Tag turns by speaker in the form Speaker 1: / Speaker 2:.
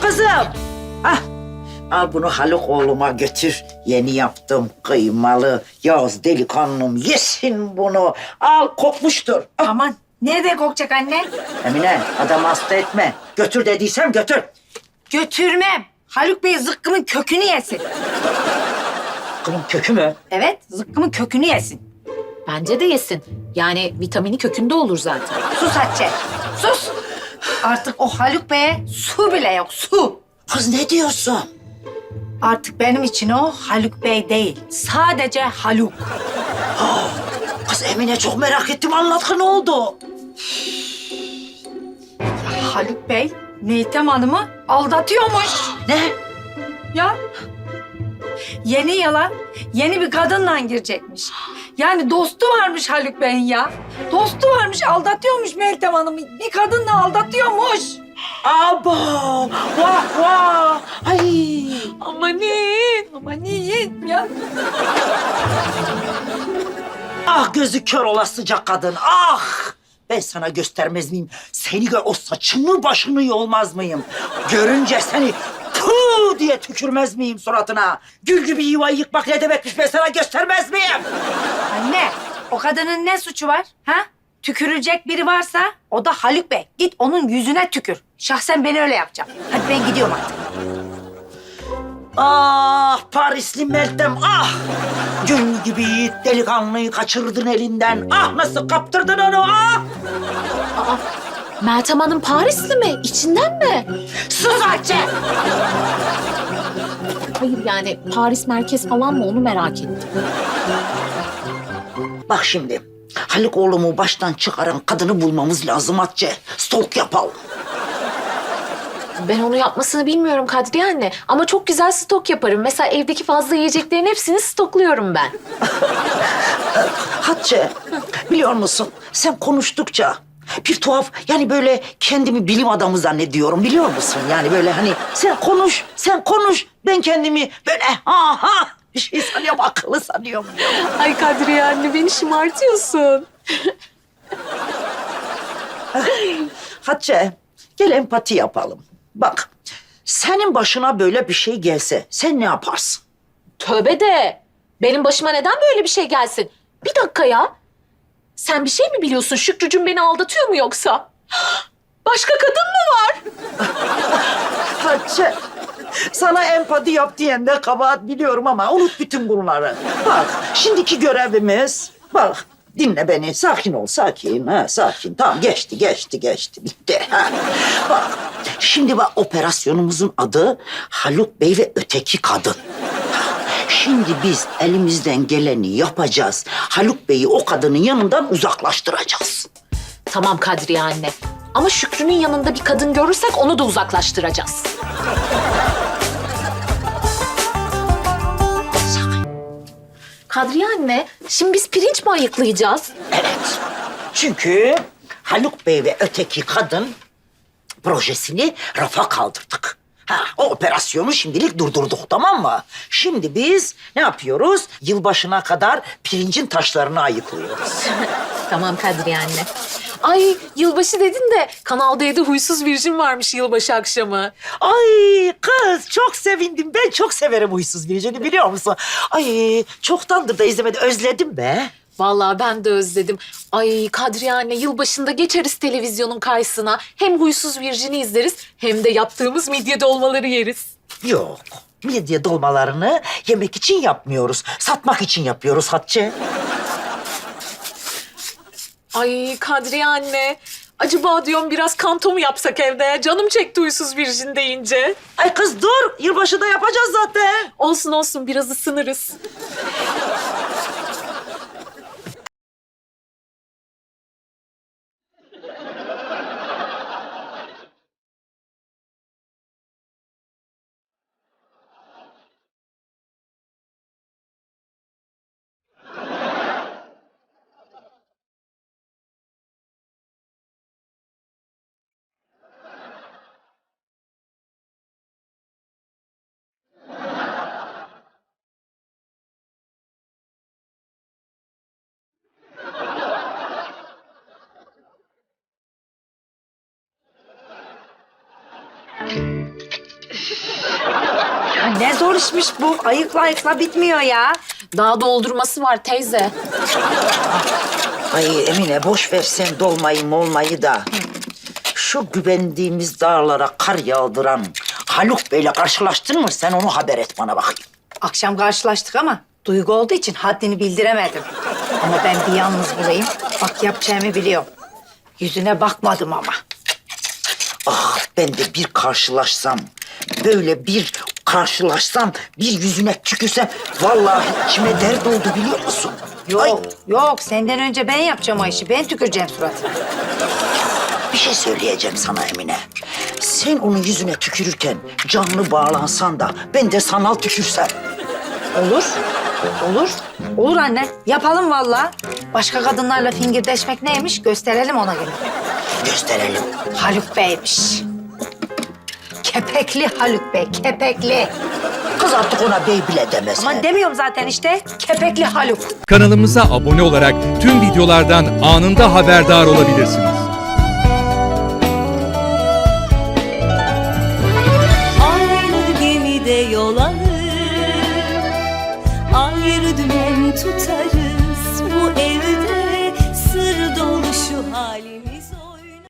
Speaker 1: kızım. Hah. Al bunu Haluk oğluma götür. Yeni yaptım kıymalı. Yaz delikanlım yesin bunu. Al kokmuştur. Ah,
Speaker 2: Aman nerede kokacak anne?
Speaker 1: Emine adamı hasta etme. Götür dediysem götür.
Speaker 2: Götürmem. Haluk Bey zıkkımın kökünü yesin.
Speaker 1: Bunun kökü mü?
Speaker 2: Evet, zıkkımın kökünü yesin.
Speaker 3: Bence de yesin. Yani vitamini kökünde olur zaten.
Speaker 2: Sus Hatice, sus. Artık o Haluk Bey'e su bile yok, su.
Speaker 1: Kız ne diyorsun?
Speaker 2: Artık benim için o Haluk Bey değil, sadece Haluk.
Speaker 1: Kız Emine çok merak ettim. Anlat ne oldu?
Speaker 2: Haluk Bey, Meltem Hanım'ı aldatıyormuş.
Speaker 1: Ne?
Speaker 2: Ya, yeni yıla yeni bir kadınla girecekmiş. Yani dostu varmış Haluk Bey'in ya. Dostu varmış, aldatıyormuş Meltem Hanım'ı. Bir kadınla aldatıyormuş.
Speaker 1: Abo! Vah vah! Ay!
Speaker 2: Aman ya.
Speaker 1: Ah gözü kör olasıca kadın, ah! Ben sana göstermez miyim? Seni o saçını başını yolmaz mıyım? Görünce seni puh diye tükürmez miyim suratına? Gül gibi yuvayı yıkmak ne demekmiş ben sana göstermez miyim?
Speaker 2: Anne, o kadının ne suçu var? Ha? Tükürülecek biri varsa o da Haluk Bey. Git onun yüzüne tükür. Şahsen ben öyle yapacağım. Hadi ben gidiyorum artık.
Speaker 1: Ah Parisli Meltem ah! Gül gibi yiğit delikanlıyı kaçırdın elinden. Ah nasıl kaptırdın onu ah!
Speaker 3: Meltem Hanım Parisli mi? İçinden mi?
Speaker 1: Sus Hatice!
Speaker 3: Hayır yani Paris merkez falan mı onu merak ettim.
Speaker 1: Bak şimdi Haluk oğlumu baştan çıkaran kadını bulmamız lazım Hatice. Stalk yapalım.
Speaker 3: Ben onu yapmasını bilmiyorum Kadriye anne. Ama çok güzel stok yaparım. Mesela evdeki fazla yiyeceklerin hepsini stokluyorum ben.
Speaker 1: Hatice, biliyor musun? Sen konuştukça bir tuhaf yani böyle kendimi bilim adamı zannediyorum biliyor musun? Yani böyle hani sen konuş. Ben kendimi böyle bir şey sanıyorum, akıllı sanıyorum.
Speaker 3: Ay Kadriye anne beni şımartıyorsun.
Speaker 1: Hatice, gel empati yapalım. Bak, senin başına böyle bir şey gelse sen ne yaparsın?
Speaker 3: Tövbe de. Benim başıma neden böyle bir şey gelsin? Bir dakika ya. Sen bir şey mi biliyorsun? Şükrücüğüm beni aldatıyor mu yoksa? Başka kadın mı var?
Speaker 1: Hatice, sana empati yap diyen de kabahat biliyorum ama unut bütün bunları. Bak, şimdiki görevimiz, bak dinle beni, sakin ol, sakin. Sakin, tamam geçti, bitti. Ha. Bak, şimdi bak operasyonumuzun adı Haluk Bey ve Öteki Kadın. Şimdi biz elimizden geleni yapacağız. Haluk Bey'i o kadının yanından uzaklaştıracağız.
Speaker 3: Tamam Kadriye anne. Ama Şükrü'nün yanında bir kadın görürsek onu da uzaklaştıracağız. Kadriye anne, şimdi biz pirinç mi ayıklayacağız?
Speaker 1: Evet. Çünkü Haluk Bey ve Öteki Kadın projesini rafa kaldırdık. O operasyonu şimdilik durdurduk, tamam mı? Şimdi biz ne yapıyoruz? Yılbaşına kadar pirincin taşlarını ayıklıyoruz.
Speaker 3: Tamam Kadriye anne. Ay yılbaşı dedin de Kanal D'de Huysuz Virjin varmış yılbaşı akşamı.
Speaker 1: Ay kız çok sevindim. Ben çok severim Huysuz Virjin'i biliyor musun? Ay çoktandır da izlemedim. Özledim be.
Speaker 3: Vallahi ben de özledim. Ay Kadriye anne yılbaşında geçeriz televizyonun karşısına. Hem Huysuz Virjin'i izleriz hem de yaptığımız midye dolmaları yeriz.
Speaker 1: Yok. Midye dolmalarını yemek için yapmıyoruz. Satmak için yapıyoruz Hatice.
Speaker 3: Ay Kadriye anne. Acaba diyorum biraz kanto mu yapsak evde? Canım çekti Huysuz Virjin deyince.
Speaker 1: Ay kız dur. Yılbaşında yapacağız zaten.
Speaker 3: Olsun olsun biraz ısınırız.
Speaker 2: Ya ne zor işmiş bu. Ayıkla ayıkla bitmiyor ya.
Speaker 3: Daha doldurması var teyze.
Speaker 1: Ay Emine boş ver sen dolmayı molmayı da. Şu güvendiğimiz dağlara kar yağdıran Haluk Bey'le karşılaştın mı? Sen onu haber et bana bakayım.
Speaker 2: Akşam karşılaştık ama duygu olduğu için haddini bildiremedim. Ama ben bir yalnız bulayım. Bak yapacağımı biliyorum. Yüzüne bakmadım ama.
Speaker 1: Ah ben de bir karşılaşsam, böyle bir karşılaşsam, bir yüzüne tükürsem vallahi içime dert oldu biliyor musun?
Speaker 2: Yok, yok. Senden önce ben yapacağım o işi. Ben tüküreceğim suratına.
Speaker 1: Bir şey söyleyeceğim sana Emine. Sen onun yüzüne tükürürken canlı bağlansan da ben de sanal tükürsem.
Speaker 2: Olur. Olur. Olur anne. Yapalım vallahi. Başka kadınlarla fingirdeşmek neymiş gösterelim ona göre.
Speaker 1: Gösterelim.
Speaker 2: Haluk Bey'miş. Kepekli Haluk Bey, kepekli.
Speaker 1: Kız artık ona bey bile demez.
Speaker 2: Ama demiyorum zaten işte. Kepekli Haluk.
Speaker 4: Kanalımıza abone olarak tüm videolardan anında haberdar olabilirsiniz.
Speaker 5: Aynı gemide yol alır, ayrı dümen tutarız. Bu evde sır dolu şu halimiz.